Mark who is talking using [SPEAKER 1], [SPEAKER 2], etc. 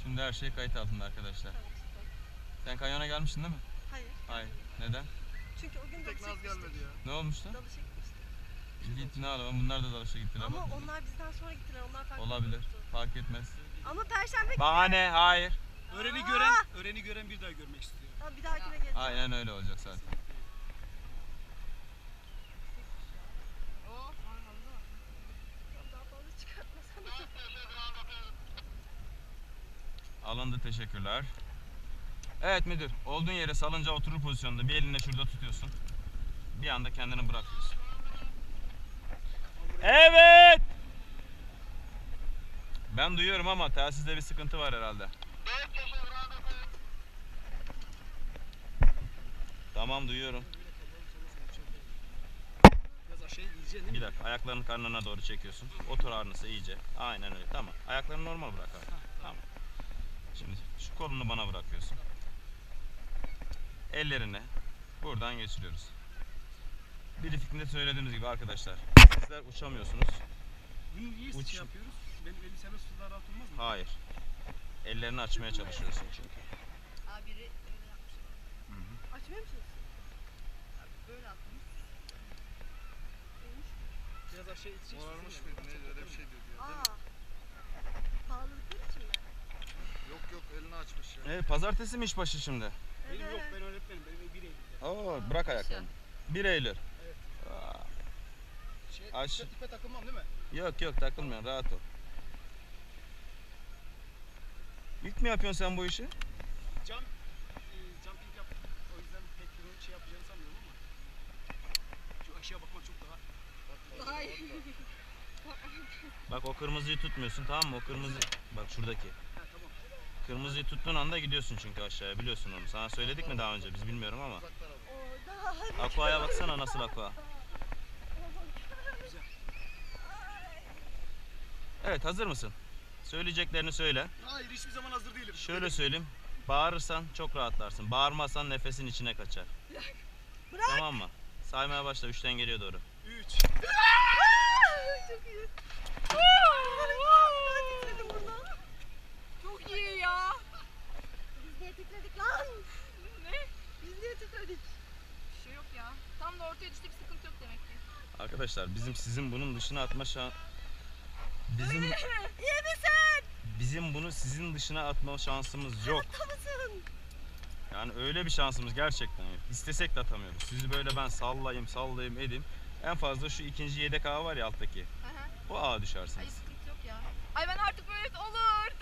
[SPEAKER 1] Şimdi her şey kayıt altında arkadaşlar.
[SPEAKER 2] Tamam, süper.
[SPEAKER 1] Sen kanyona gelmiştin değil mi?
[SPEAKER 2] Hayır.
[SPEAKER 1] Hayır. Neden?
[SPEAKER 2] Çünkü o gün
[SPEAKER 3] Tek
[SPEAKER 2] dalışa
[SPEAKER 3] Naz gelmedi
[SPEAKER 2] gitmiştik.
[SPEAKER 3] ya.
[SPEAKER 1] Ne olmuştu?
[SPEAKER 2] Dalışa gitmiştik.
[SPEAKER 1] Git ne alalım. Bunlar da dalışa gittiler.
[SPEAKER 2] Ama
[SPEAKER 1] bak.
[SPEAKER 2] onlar bizden sonra gittiler. Onlar farklı
[SPEAKER 1] Olabilir.
[SPEAKER 2] olmuştu.
[SPEAKER 1] Fark etmez.
[SPEAKER 2] Ama Perşembe
[SPEAKER 1] Bahane. Hayır.
[SPEAKER 3] Öreni gören bir daha görmek istiyor.
[SPEAKER 2] Tamam, bir dahakine geleceğim.
[SPEAKER 1] Aynen öyle olacak zaten.
[SPEAKER 2] Tamam, daha fazla çıkartmasana.
[SPEAKER 1] Alındı, teşekkürler. Evet müdür, olduğun yere salıncağa oturur pozisyonda bir elinle şurada tutuyorsun. Bir anda kendini bırakıyorsun. Evet! Ben duyuyorum ama telsizde bir sıkıntı var herhalde. Tamam, duyuyorum.
[SPEAKER 3] Biraz aşağıya gideceksin değil mi?
[SPEAKER 1] Bir dakika, ayaklarını karnına doğru çekiyorsun. Otur arnısı iyice. Aynen öyle, tamam. Ayaklarını normal bırak abi. Tamam. Şimdi şu kolunu bana bırakıyorsun. Ellerini buradan geçiriyoruz. Briefing'de söylediğimiz gibi arkadaşlar, sizler uçamıyorsunuz.
[SPEAKER 3] Bunu niye
[SPEAKER 1] Uç.
[SPEAKER 3] şey yapıyoruz? Benim elim serbest suda rahat olmaz mı?
[SPEAKER 1] Hayır. Ellerini açmaya çalışıyorsun çünkü.
[SPEAKER 4] Abi biri öyle yapmış.
[SPEAKER 2] Açmıyor musunuz?
[SPEAKER 4] Abi böyle atmış.
[SPEAKER 3] Biraz aşağıya gideceksin.
[SPEAKER 5] Morarmış mıydı neydi öyle bir şey dedi ya değil mi?
[SPEAKER 2] Pahalılıkları için mi?
[SPEAKER 5] Yok yok elini açmış ya.
[SPEAKER 1] Evet, pazartesi mi işbaşı şimdi?
[SPEAKER 3] Benim yok, ben öğretmenim. Benim 1 Eylül'de.
[SPEAKER 1] Oo, bırak ayaklarını. 1 Eylül.
[SPEAKER 3] Evet.
[SPEAKER 1] Aa,
[SPEAKER 3] Şey, ipe takılmam değil mi?
[SPEAKER 1] yok yok, takılmıyorsun, rahat ol. İlk mi yapıyorsun sen bu işi?
[SPEAKER 3] Jumping yap. O yüzden pek bunu şey yapacağını sanmıyorum ama. Şu aşağı bakmak çok daha.
[SPEAKER 4] Hayır.
[SPEAKER 1] Bak o kırmızıyı tutmuyorsun, tamam mı? O kırmızı, bak şuradaki.
[SPEAKER 3] Ha tamam.
[SPEAKER 1] Kırmızıyı tuttuğun anda gidiyorsun çünkü aşağıya, biliyorsun onu. Sana söyledik mi daha önce? Biz bilmiyorum ama.
[SPEAKER 5] Uzak tarafa.
[SPEAKER 2] Orada.
[SPEAKER 1] Aqua'ya baksana, nasıl aqua.
[SPEAKER 3] Güzel.
[SPEAKER 1] Evet, hazır mısın? Söyleyeceklerini söyle.
[SPEAKER 3] Hayır, hiçbir zaman hazır değilim.
[SPEAKER 1] Şöyle söyleyeyim. Bağırırsan çok rahatlarsın. Bağırmazsan nefesin içine kaçar.
[SPEAKER 2] Bırak.
[SPEAKER 1] Tamam mı? Saymaya başla 3'ten geriye doğru.
[SPEAKER 3] 3.
[SPEAKER 2] Çok iyi. Ben titredim burada.
[SPEAKER 4] Çok iyi ya.
[SPEAKER 2] Biz niye titredik lan?
[SPEAKER 4] Ne?
[SPEAKER 2] Biz niye titredik?
[SPEAKER 4] Bir şey yok ya. Tam da ortaya düştü, bir sıkıntı yok demek ki.
[SPEAKER 1] Arkadaşlar bizim sizin bunun dışına atma bizim
[SPEAKER 2] İyi misin?
[SPEAKER 1] bizim bunu sizin dışına atma şansımız yok.
[SPEAKER 2] Mısın?
[SPEAKER 1] Yani öyle bir şansımız gerçekten yok. İstesek de atamıyoruz. Sizi böyle ben sallayayım edeyim. En fazla şu ikinci yedek ağa var ya alttaki.
[SPEAKER 4] Hı hı.
[SPEAKER 1] O ağa
[SPEAKER 4] Ay
[SPEAKER 1] düşersiniz.
[SPEAKER 4] sıkıntı yok ya. Ay ben artık böyle olur.